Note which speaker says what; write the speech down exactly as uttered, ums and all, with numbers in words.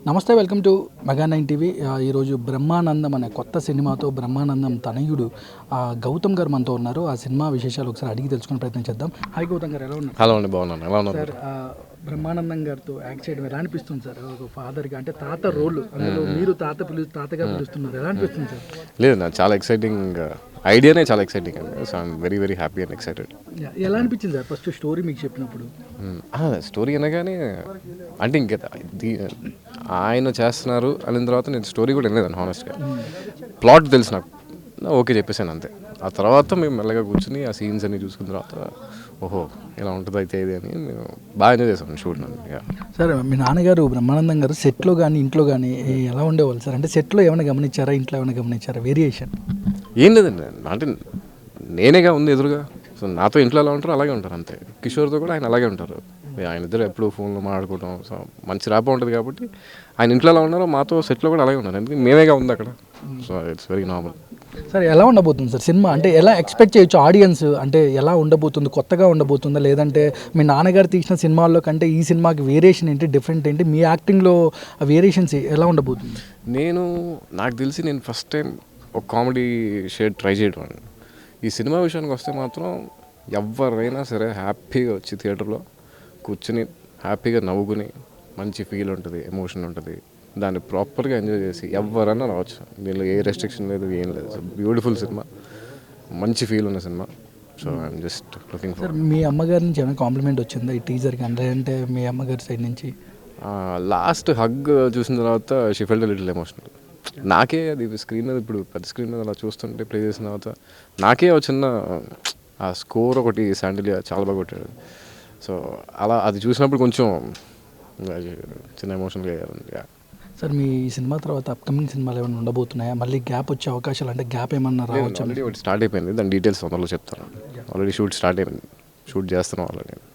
Speaker 1: నమస్తే, welcome to mega nine TV. ఈరోజు బ్రహ్మానందం అనే కొత్త సినిమాతో బ్రహ్మానందం తనయుడు గౌతమ్ గారు మనతో ఉన్నారు. ఆ సినిమా విశేషాలు ఒకసారి అడిగి తెలుసుకునే ప్రయత్నం చేద్దాం. హాయ్ గౌతమ్ గారు, ఎలా ఉన్నారు?
Speaker 2: హలో అండి, బాగున్నాను. ఎలా ఉన్నారు
Speaker 1: సార్? బ్రహ్మానందం గారితో యాక్ట్ చేయడం ఎలా అనిపిస్తుంది సార్? ఒక ఫాదర్గా అంటే తాత రోల్, అందులో మీరు తాత పిలు తాతగా పిలుస్తున్నారు, ఎలా అనిపిస్తుంది సార్?
Speaker 2: లేదు, నాకు చాలా ఎక్సైటింగ్ ఐడియానే, చాలా ఎక్సైటింగ్ అండి. So I'm very very happy and excited.
Speaker 1: ఎలా అనిపించింది సార్ ఫస్ట్ స్టోరీ మీకు చెప్పినప్పుడు?
Speaker 2: స్టోరీ అనగానే అంటే ఇంకా ఆయన చేస్తున్నారు అనిన తర్వాత నేను స్టోరీ కూడా వినలేదండి హానెస్ట్గా. ప్లాట్ తెలుసు నాకు, ఓకే చెప్పేసాను అంతే. ఆ తర్వాత మేము మెల్లగా కూర్చుని ఆ సీన్స్ అన్ని చూసుకున్న తర్వాత ఓహో ఇలా ఉంటుంది అయితే ఇది అని మేము బాగా ఎంజాయ్ చేసాం షూట్.
Speaker 1: సార్, మీ నాన్నగారు బ్రహ్మానందం గారు సెట్లో కానీ ఇంట్లో కానీ ఎలా ఉండేవాళ్ళు సార్? అంటే సెట్లో ఏమైనా గమనించారా, ఇంట్లో ఏమైనా గమనించారా వేరియేషన్?
Speaker 2: ఏం లేదండి, అంటే నేనేగా ఉంది ఎదురుగా. సో నాతో ఇంట్లో ఎలా ఉంటారో అలాగే ఉంటారు అంతే. కిషోర్తో కూడా ఆయన అలాగే ఉంటారు. ఆయన ఇద్దరు ఎప్పుడు ఫోన్లో మాట్లాడుకోవడం, సో మంచి ర్యాప్ ఉంటుంది కాబట్టి ఆయన ఇంట్లో ఎలా ఉన్నారో మాతో సెట్లో కూడా అలాగే ఉన్నారు. ఎందుకంటే మేమేగా ఉంది అక్కడ. So it's very normal.
Speaker 1: Sir, ఎలా ఉండబోతుంది సార్ సినిమా? అంటే ఎలా ఎక్స్పెక్ట్ చేయొచ్చు ఆడియన్స్? అంటే ఎలా ఉండబోతుంది? కొత్తగా ఉండబోతుందా, లేదంటే మీ నాన్నగారు తీసిన సినిమాల్లో కంటే ఈ సినిమాకి వేరియేషన్ ఏంటి, డిఫరెంట్ ఏంటి, మీ యాక్టింగ్లో ఆ వేరియేషన్స్ ఎలా ఉండబోతుంది?
Speaker 2: నేను నాకు తెలిసి నేను ఫస్ట్ టైం ఒక కామెడీ షేడ్ ట్రై చేయడం అండి. ఈ సినిమా విషయానికి వస్తే మాత్రం ఎవరైనా సరే హ్యాపీగా వచ్చి థియేటర్లో కూర్చుని హ్యాపీగా నవ్వుకుని మంచి ఫీల్ ఉంటుంది, ఎమోషన్ ఉంటుంది, దాన్ని ప్రాపర్గా ఎంజాయ్ చేసి ఎవరైనా రావచ్చు. దీనిలో ఏ రెస్ట్రిక్షన్ లేదు, ఏం లేదు. సో బ్యూటిఫుల్ సినిమా, మంచి ఫీల్ ఉన్న cinema. So I'm just looking for.
Speaker 1: మీ అమ్మగారి నుంచి ఏమైనా కాంప్లిమెంట్ వచ్చిందా ఈ టీజర్కి? అంటే మీ అమ్మగారి సైడ్ నుంచి
Speaker 2: లాస్ట్ హగ్ చూసిన తర్వాత షీ ఫెల్ట్ లిటిల్ ఎమోషనల్. నాకే అది స్క్రీన్ మీద, ఇప్పుడు పెద్ద స్క్రీన్ మీద అలా చూస్తుంటే ప్లే చేసిన తర్వాత నాకే ఒక చిన్న ఆ స్కోర్ ఒకటి శాండిలియా చాలా బాగా కొట్టాడు. సో అలా అది చూసినప్పుడు కొంచెం చిన్న ఎమోషనల్గా అయ్యారు.
Speaker 1: సార్, మీ సినిమా తర్వాత అప్కమింగ్ సినిమాలు ఏమైనా ఉండబోతున్నాయా? మళ్ళీ గ్యాప్ వచ్చే అవకాశాలు, అంటే గ్యాప్ ఏమన్నా రావచ్చు?
Speaker 2: ఆల్రెడీ ఒకటి స్టార్ట్ అయిపోయింది, దాని డీటెయిల్స్ తొందరలో చెప్తాను. ఆల్రెడీ షూట్ స్టార్ట్ అయిపోయింది, షూట్ చేస్తున్నాం ఆల్రెడీ.